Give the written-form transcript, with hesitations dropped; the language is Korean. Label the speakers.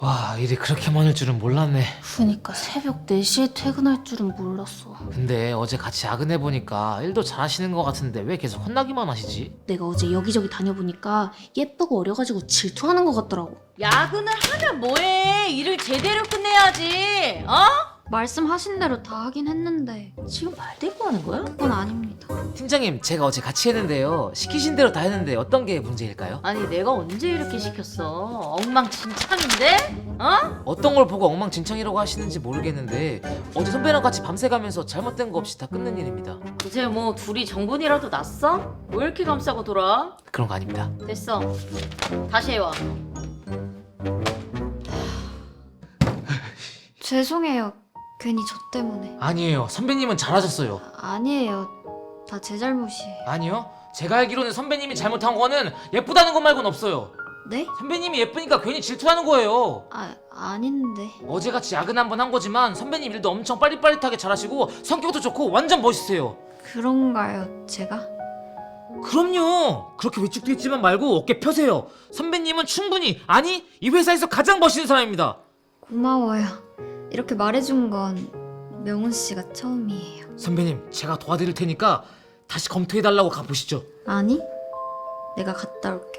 Speaker 1: 와, 일이 그렇게 많을 줄은 몰랐네.
Speaker 2: 그니까 새벽 4시에 퇴근할 줄은 몰랐어.
Speaker 1: 근데 어제 같이 야근해보니까 일도 잘하시는 것 같은데 왜 계속 혼나기만 하시지?
Speaker 2: 내가 어제 여기저기 다녀보니까 예쁘고 어려가지고 질투하는 것 같더라고.
Speaker 3: 야근을 하면 뭐해? 일을 제대로 끝내야지. 어?
Speaker 4: 말씀하신 대로 다 하긴 했는데
Speaker 3: 지금 말 대꾸 하는 거야?
Speaker 4: 그건 아닙니다.
Speaker 1: 팀장님, 제가 어제 같이 했는데요. 시키신 대로 다 했는데 어떤 게 문제일까요?
Speaker 3: 아니 내가 언제 이렇게 시켰어? 엉망진창인데? 어?
Speaker 1: 어떤 걸 보고 엉망진창이라고 하시는지 모르겠는데 어제 선배랑 같이 밤새 가면서 잘못된 거 없이 다 끝낸 일입니다.
Speaker 3: 이제 뭐 둘이 정분이라도 났어? 왜 이렇게 감싸고 돌아?
Speaker 1: 그런 거 아닙니다.
Speaker 3: 됐어. 다시 해와.
Speaker 4: 죄송해요. 괜히 저 때문에.
Speaker 1: 아니에요. 선배님은 잘하셨어요.
Speaker 4: 아니에요. 다 제 잘못이에요.
Speaker 1: 아니요. 제가 알기로는 선배님이 잘못한 거는 예쁘다는 것 말고는 없어요.
Speaker 4: 네?
Speaker 1: 선배님이 예쁘니까 괜히 질투하는 거예요.
Speaker 4: 아닌데.
Speaker 1: 어제같이 야근 한 번 한 거지만 선배님 일도 엄청 빠릿빠릿하게 잘하시고 성격도 좋고 완전 멋있으세요.
Speaker 4: 그런가요, 제가?
Speaker 1: 그럼요. 그렇게 위축돼 있지만 말고 어깨 펴세요. 선배님은 충분히, 아니 이 회사에서 가장 멋있는 사람입니다.
Speaker 4: 고마워요. 이렇게 말해준 건 명훈 씨가 처음이에요.
Speaker 1: 선배님, 제가 도와드릴 테니까 다시 검토해달라고 가보시죠.
Speaker 4: 아니, 내가 갔다 올게.